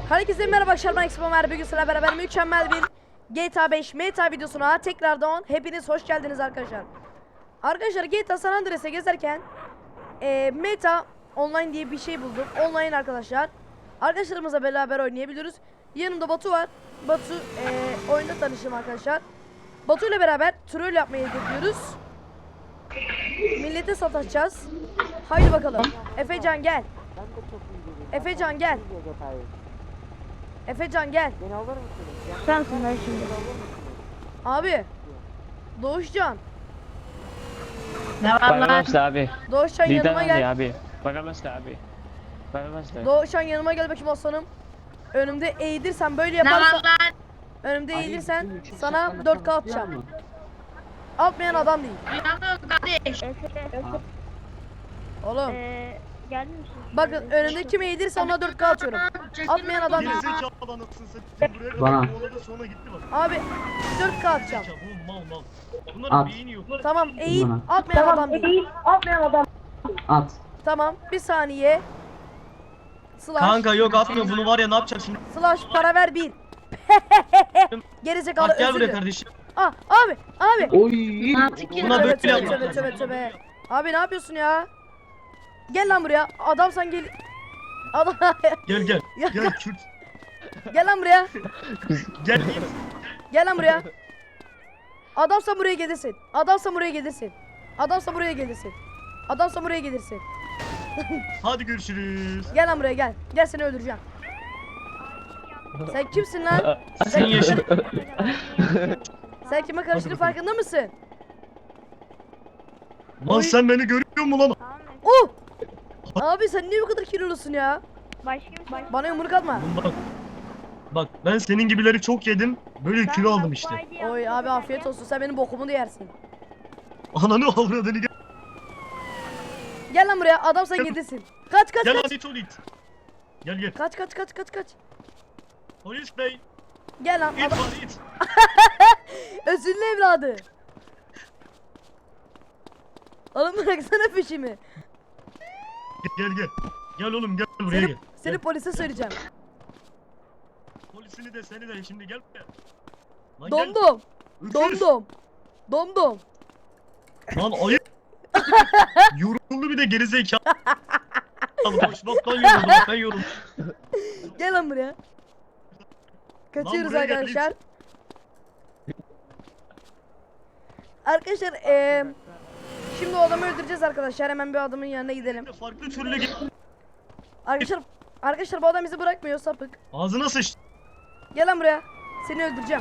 Herkese merhaba arkadaşlar, ben Expomer. Bugün sizlerle beraber mükemmel bir GTA 5 meta videosuna tekrardan hepiniz hoş geldiniz arkadaşlar. Arkadaşlar GTA San Andreas'e gezerken meta online diye bir şey buldum. Online arkadaşlar. Arkadaşlarımızla beraber oynayabiliyoruz. Yanımda Batu var. Batu oyunda tanıştım arkadaşlar. Batu ile beraber troll yapmayı hedefliyoruz. Millete sataşacağız. Haydi bakalım. Efecan gel. Efecan gel. Efecan gel. Beni alır mısın? Sensin ben şimdi. Abi. Doğuşcan. Ne var lan? Bakamazdı abi. Doğuşcan Lider yanıma Ali gel. abi. Bakamazdı abi. Bakamazdı. Doğuşcan yanıma gel bakayım aslanım. Önümde eğilirsen böyle Ne yaparsan. var lan? Önümde eğilirsen sana 4K atacağım. Atmayan adam değil. Duyamıyorum kardeş. Oğlum. Geldin misin? Bakın önümde kim eğilirse ona 4K atıyorum. Atmayan adam değil. Gerizekalı anasını satayım. Buraya kadar Bana. kovaladı, sonra gitti bak. Abi 4K atacağım. Gerizekalı, bu mal. Bunların At. beyni yok. Tamam eğil. Bana. Atmayan adam değil. At. Tamam bir saniye. Slash. Kanka yok atmıyor, bunu var ya ne yapacağım şimdi? Slash para ver 1. Gerizekalı Bak gel özür buraya dilerim. kardeşim. Ah abi. Oy. Buna böyle Tövbe, yapma. tövbe. Abi ne yapıyorsun ya? Gel lan buraya. Adam sen gel. Adam Gel. Ya- Gel Kürt. gel lan buraya. Gel. Gel lan buraya. Adamsa buraya gelirsin. Adamsa buraya gelirsin. Adamsa buraya gelirsin. Adamsa buraya gelirsin. Hadi görüşürüz. Gel lan buraya gel. Gel seni öldüreceğim. Sen kimsin lan? Senin yaşın. Sen kime karıştığını farkında mısın? Lan sen beni görüyor musun lan? Oh! Abi sen niye bu kadar kilolusun ya? Başka Bana yumruk atma. Bak ben senin gibileri çok yedim. Böyle kilo aldım işte. Oy abi afiyet olsun. Sen benim bokumu da yersin. Ananı avradını gel. Gel lan buraya. Adam sen gelirsin. Kaç. Gel hadi tuvalet. Gel. Kaç. Polis bey. Gel lan. İt Adam... var it. Özürlü evladı. Oğlum bıraksana peşimi. Gel. Gel oğlum gel buraya gel. Seni polise söyleyeceğim. Polisini de seni de şimdi gel buraya. Lan gel. Domdom. Öküz. Domdom. Lan ayıp. Yoruldu bir de gerizekalı. Boşluktan yoruldu. Ben yoruldum. Gel lan buraya. Kaçıyoruz buraya gel, arkadaşlar. Arkadaşlar şimdi o adamı öldüreceğiz arkadaşlar. Hemen bir adamın yanına gidelim. Farklı türlü git. Arkadaşlar bu adam bizi bırakmıyor, sapık. Ağzına sıç. Gel lan buraya. Seni öldüreceğim.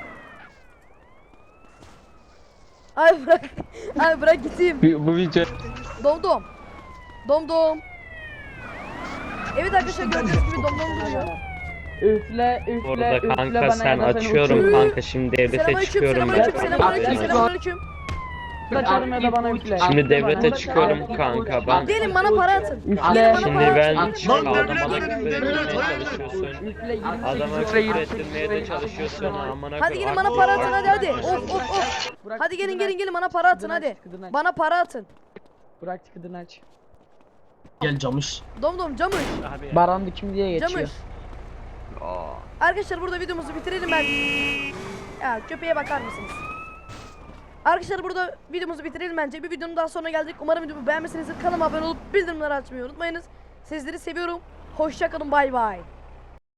Ay bırak. Ay bırak gideyim. Bu video Domdom. Evet arkadaşlar gördüğünüz gibi domdom duruyor. Üfle Orada kanka bana sen ya da seni açıyorum uçurayım. kanka şimdi devlete çıkıyorum ben. Selamünaleyküm. Kaçarım ya da bana üfle. Şimdi devlete çıkıyorum kanka ben. Gelin bana para atın. Üfle. Şimdi ben Lan adama devlet, küfür devlet, ettirmeye hayır. çalışıyorsun. Üfle 28 Adama küfür ettirmeye de çalışıyorsun amına Hadi gelin koyayım. bana para atın hadi. Of. Hadi gelin bana para atın hadi. Bana para atın. Bırak tıkıdını aç. Gel camış. Domdom camış. abi. Baran kim diye geçiyor. Camış. Arkadaşlar burada videomuzu bitirelim ben. Ya köpeğe bakar mısınız? Arkadaşlar burada videomuzu bitirelim bence. Bir videonun daha sonuna geldik. Umarım videomu beğenmişsinizdir. Kanalıma abone olup bildirimleri açmayı unutmayınız. Sizleri seviyorum. Hoşça kalın. Bay bay.